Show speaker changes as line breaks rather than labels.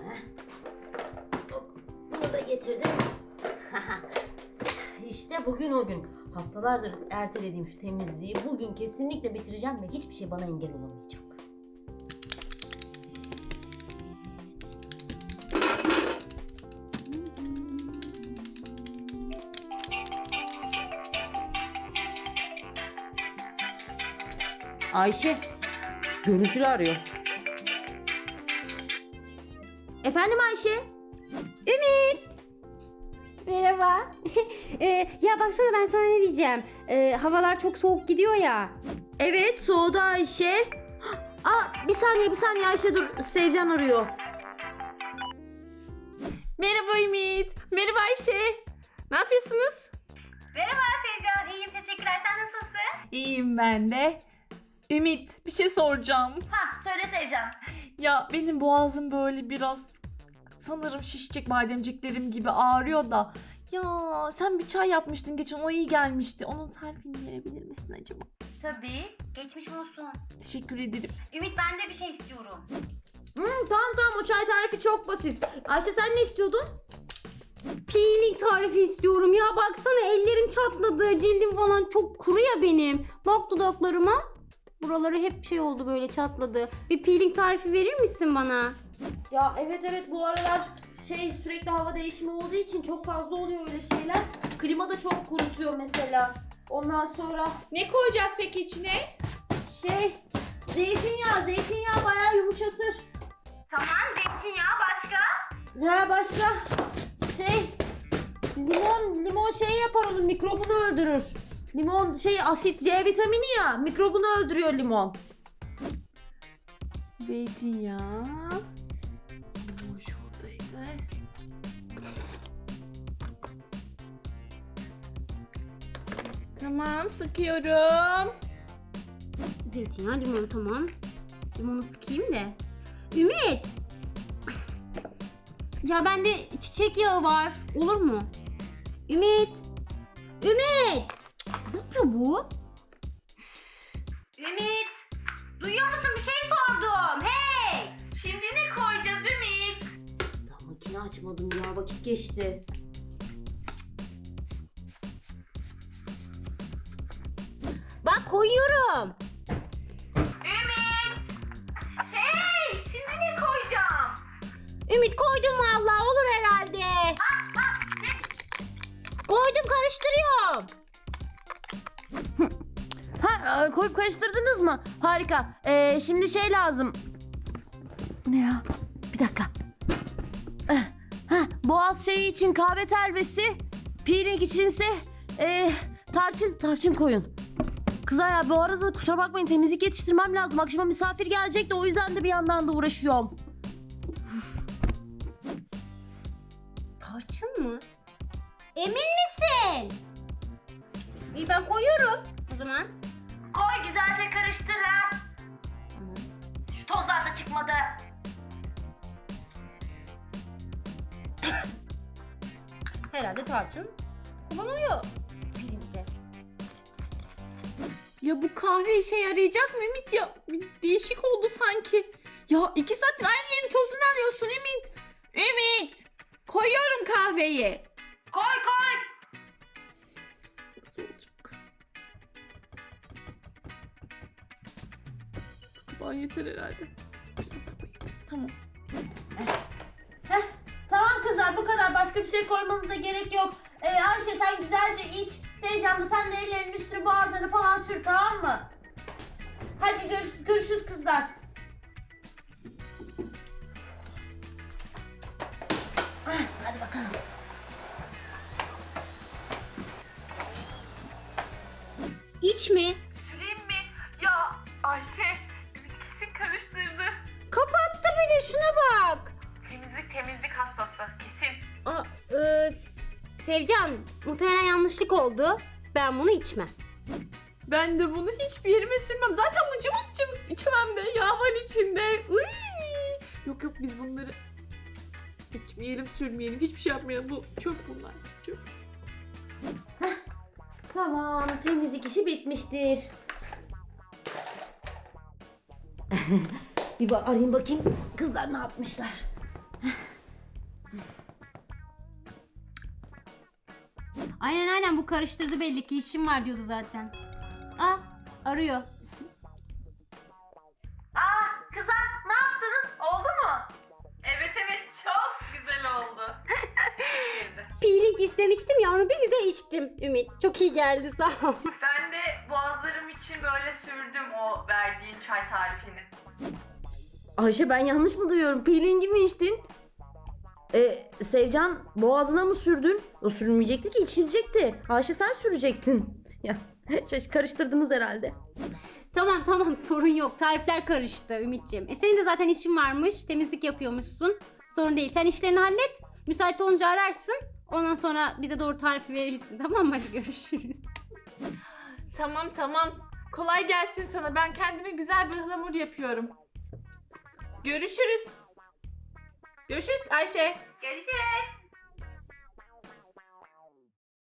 Bunu da getirdim. İşte bugün o gün. Haftalardır ertelediğim şu temizliği bugün kesinlikle bitireceğim ve hiçbir şey bana engel olamayacak. Ayşe, görüntülü arıyor. Efendim Ayşe?
Ümit. Merhaba. Ya baksana ben sana ne diyeceğim. Havalar çok soğuk gidiyor ya.
Evet, soğudu Ayşe. Bir saniye Ayşe, dur, Sevcan arıyor.
Merhaba Ümit. Merhaba Ayşe. Ne yapıyorsunuz?
Merhaba Sevcan, iyiyim teşekkürler. Sen nasılsın?
İyiyim ben de. Ümit, bir şey soracağım.
Söyle Sevcan.
Ya benim boğazım böyle biraz sanırım şişecek, bademciklerim gibi ağrıyor da. Ya sen bir çay yapmıştın geçen, o iyi gelmişti. Onun tarifini verebilir misin acaba?
Tabii, geçmiş olsun.
Teşekkür ederim.
Ümit ben de bir şey istiyorum.
Tamam, o çay tarifi çok basit. Ayşe sen ne istiyordun?
Peeling tarifi istiyorum ya. Baksana ellerim çatladı. Cildim falan çok kuru ya benim. Bak dudaklarıma. Buraları hep şey oldu, böyle çatladı. Bir peeling tarifi verir misin bana?
Ya evet, bu aralar sürekli hava değişimi olduğu için çok fazla oluyor öyle şeyler. Klima da çok kurutuyor mesela. Ondan sonra
Ne koyacağız peki içine?
zeytinyağı bayağı yumuşatır.
Tamam, zeytinyağı başka?
Ya başka limon yapar, onun mikrobunu öldürür. Limon asit, C vitamini ya, mikrobunu öldürüyor limon.
Zeytinyağı. Bu şuradaydı. Tamam, sıkıyorum.
Zeytinyağı, limon, tamam. Limonu sıkayım da. Ümit! Ya bende çiçek yağı var. Olur mu? Ümit! Ümit! Ne yapıyor bu?
Ümit, duyuyor musun? Bir şey sordum. Hey! Şimdi ne koyacağız Ümit?
Ya makine açmadım ya, vakit geçti.
Bak koyuyorum.
Ümit! Hey! Şimdi ne koyacağım?
Ümit koydum vallahi, olur herhalde. Koydum, karıştırıyorum.
Koyup karıştırdınız mı? Harika. Şimdi lazım. Ne ya? Bir dakika. Boğaz için kahve telvesi, peeling içinse tarçın koyun. Kızlar ya, bu arada kusura bakmayın, temizlik yetiştirmem lazım. Akşama misafir gelecek de o yüzden de bir yandan da uğraşıyorum.
Tarçın mı? Emin misin? İyi, ben koyuyorum o zaman.
Koy güzelce karıştır ha.
Tamam.
Şu tozlar da çıkmadı.
Herhalde tarçın kullanılıyor peelingde.
Ya bu kahve işe yarayacak mı Ümit ya? Bir değişik oldu sanki. Ya 2 saattir aynı yerin tozunu alıyorsun Ümit. Ümit! Koyuyorum kahveyi.
Koy koy.
Nasıl olacak? Daha yeter herhalde. Tamam.
Tamam kızlar, bu kadar, başka bir şey koymanıza gerek yok. Ayşe sen güzelce iç. Sevcan da sen de ellerinin üstünü, boğazlarını falan sür, tamam mı? Hadi görüşürüz kızlar. Hadi bakalım.
İç mi?
Süreyim mi? Ya Ayşe, Ümit kesin karıştırdı.
Kapattı bir de, şuna bak.
Temizlik hastası kesin.
Sevcan, muhtemelen yanlışlık oldu. Ben bunu içmem.
Ben de bunu hiçbir yerime sürmem. Zaten bu cıvık cıvık içmem de. Yağ var içinde. Uy! Yok biz bunları içmeyelim, sürmeyelim. Hiçbir şey yapmayalım. Bu çöp bunlar. Çöp.
Tamam, temizlik işi bitmiştir. Bir arayayım bakayım kızlar ne yapmışlar.
Aynen bu karıştırdı belli ki işim var diyordu zaten. Arıyor.
Kızlar ne yaptınız? Oldu mu? Evet çok güzel oldu.
Peeling istemiştim ya onu bir güzel içtim Ümit. Çok iyi geldi sağ ol.
Ben de boğazlarım için böyle sürdüm o verdiğin çay tarifini.
Ayşe ben yanlış mı duyuyorum? Peeling'i mi içtin? Sevcan boğazına mı sürdün? O sürülmeyecekti ki içilecekti. Ayşe sen sürecektin. Ya karıştırdınız herhalde.
Tamam sorun yok. Tarifler karıştı Ümitciğim. Senin de zaten işin varmış. Temizlik yapıyormuşsun. Sorun değil. Sen işlerini hallet. Müsait olunca ararsın. Ondan sonra bize doğru tarifi verirsin. Tamam mı? Hadi görüşürüz.
Tamam. Kolay gelsin sana. Ben kendime güzel bir ıhlamur yapıyorum. Görüşürüz. Görüşürüz Ayşe.
Görüşürüz.